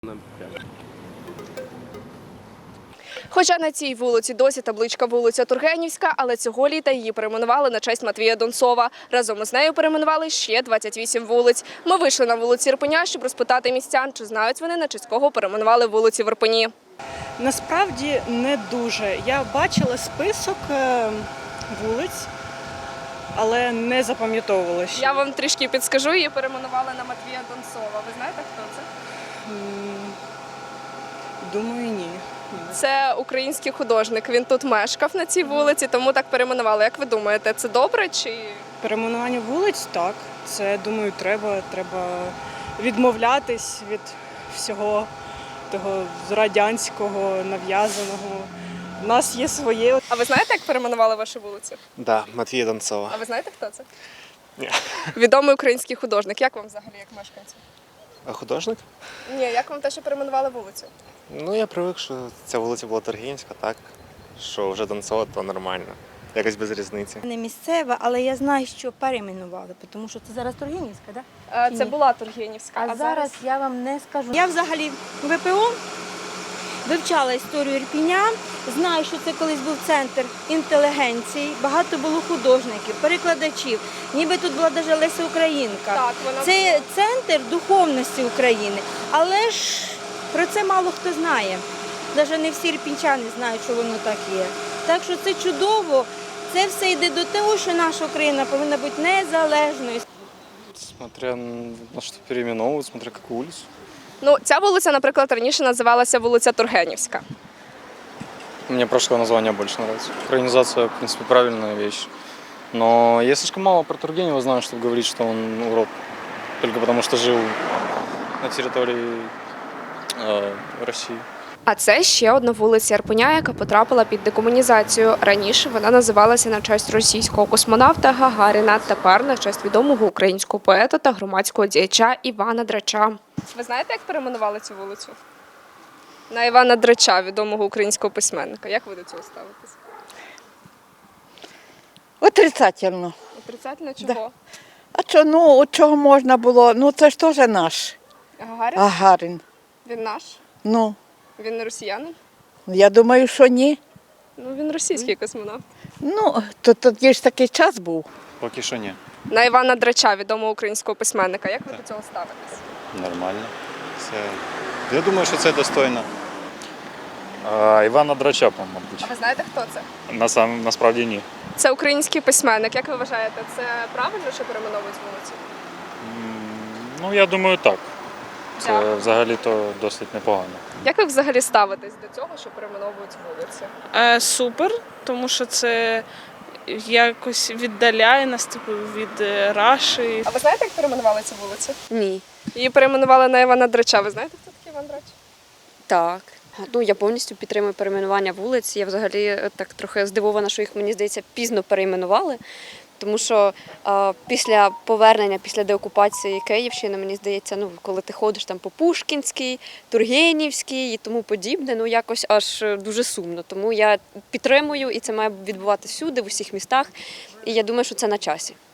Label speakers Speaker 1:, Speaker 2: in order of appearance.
Speaker 1: Хоча на цій вулиці досі табличка вулиця Тургенівська, але цього літа її перейменували на честь Матвія Донцова. Разом із нею перейменували ще 28 вулиць. Ми вийшли на вулиці Ірпеня, щоб розпитати містян, чи знають вони, на честь кого перейменували вулиці в Ірпені.
Speaker 2: Насправді не дуже. Я бачила список вулиць, але не запам'ятовувала ще.
Speaker 1: Я вам трішки підскажу, її перейменували на Матвія Донцова. Ви знаєте, хто це?
Speaker 2: Думаю, ні.
Speaker 1: Це український художник. Він тут мешкав на цій вулиці, тому так перейменували. Як ви думаєте, це добре чи…
Speaker 2: Перейменування вулиць, так. Це, думаю, треба відмовлятись від всього того радянського, нав'язаного. У нас є своє.
Speaker 1: А ви знаєте, як перейменували вашу вулицю?
Speaker 3: Да, Матвія Донцова.
Speaker 1: А ви знаєте, хто це?
Speaker 3: Ні.
Speaker 1: Відомий український художник. Як вам взагалі, як мешканцю?
Speaker 3: А художник?
Speaker 1: Ні, як вам те, що перейменували вулицю?
Speaker 3: Ну, я привик, що ця вулиця була Тургенівська, так? Що вже Донцова, то нормально. Якось без різниці.
Speaker 4: Не місцева, але я знаю, що перейменували, тому що це зараз Тургенівська, так?
Speaker 1: Це була Тургенівська.
Speaker 4: А зараз я вам не скажу. Я взагалі ВПО вивчала історію Ірпеня, знаю, що це колись був центр інтелігенції, багато було художників, перекладачів, ніби тут була навіть Леся Українка.
Speaker 1: Так, вона
Speaker 4: Це
Speaker 1: була.
Speaker 4: центр духовності України, але ж про це мало хто знає. Навіть не всі ірпінчани знають, що воно так є. Так що це чудово. Це все йде до того, що наша Україна повинна бути незалежною.
Speaker 5: Смотря на что переименовывают, смотря какую улицу.
Speaker 1: Ну, ця вулиця, наприклад, раніше називалася вулиця Тургенівська.
Speaker 5: Мне прошлое название больше нравится. Украинизация, в принципе, правильная вещь. Но я слишком мало про Тургенева знаю, чтобы говорить, что он урод. Только потому, что жил на территории России.
Speaker 1: А це ще одна вулиця Ірпеня, яка потрапила під декомунізацію. Раніше вона називалася на честь російського космонавта Гагаріна, тепер на честь відомого українського поета та громадського діяча Івана Драча. Ви знаєте, як перейменували цю вулицю? На Івана Драча, відомого українського письменника. Як ви до цього ставитесь?
Speaker 6: Отрицательно.
Speaker 1: Отрицательно чого?
Speaker 6: А що, ну, от чого можна було? Ну, це ж теж наш
Speaker 1: Гагарін?
Speaker 6: Гагарин.
Speaker 1: Він наш?
Speaker 6: Ну,
Speaker 1: Він не росіянин?
Speaker 6: я думаю, що ні.
Speaker 1: Ну, він російський космонавт.
Speaker 6: Ну, то тоді ж такий час був.
Speaker 5: Поки що ні.
Speaker 1: На Івана Драча, відомого українського письменника. Як ви до цього ставитесь?
Speaker 7: Нормально. Я думаю, що це достойно.
Speaker 5: Івана Драча, мабуть.
Speaker 1: А ви знаєте, хто це?
Speaker 5: Насправді ні.
Speaker 1: Це український письменник. Як ви вважаєте, це правильно, що перейменовують вулицю?
Speaker 5: Ну, я думаю, так. Це
Speaker 1: Дякую.
Speaker 5: взагалі-то досить непогано.
Speaker 1: Як ви взагалі ставитесь до цього, що перейменовують вулиці?
Speaker 2: Супер, тому що це якось віддаляє нас від Раші.
Speaker 1: А ви знаєте, як перейменували цю вулицю?
Speaker 8: Ні.
Speaker 1: Її перейменували на Івана Драча. Ви знаєте, хто такий Іван Драч?
Speaker 8: Так. Ну, я повністю підтримую перейменування вулиць. Я взагалі так трохи здивована, що їх, мені здається, пізно перейменували. Тому що після повернення, після деокупації Київщини, мені здається, ну, коли ти ходиш там по Пушкінській, Тургенівській і тому подібне, ну якось аж дуже сумно. Тому я підтримую, і це має відбуватися всюди, в усіх містах. І я думаю, що це на часі.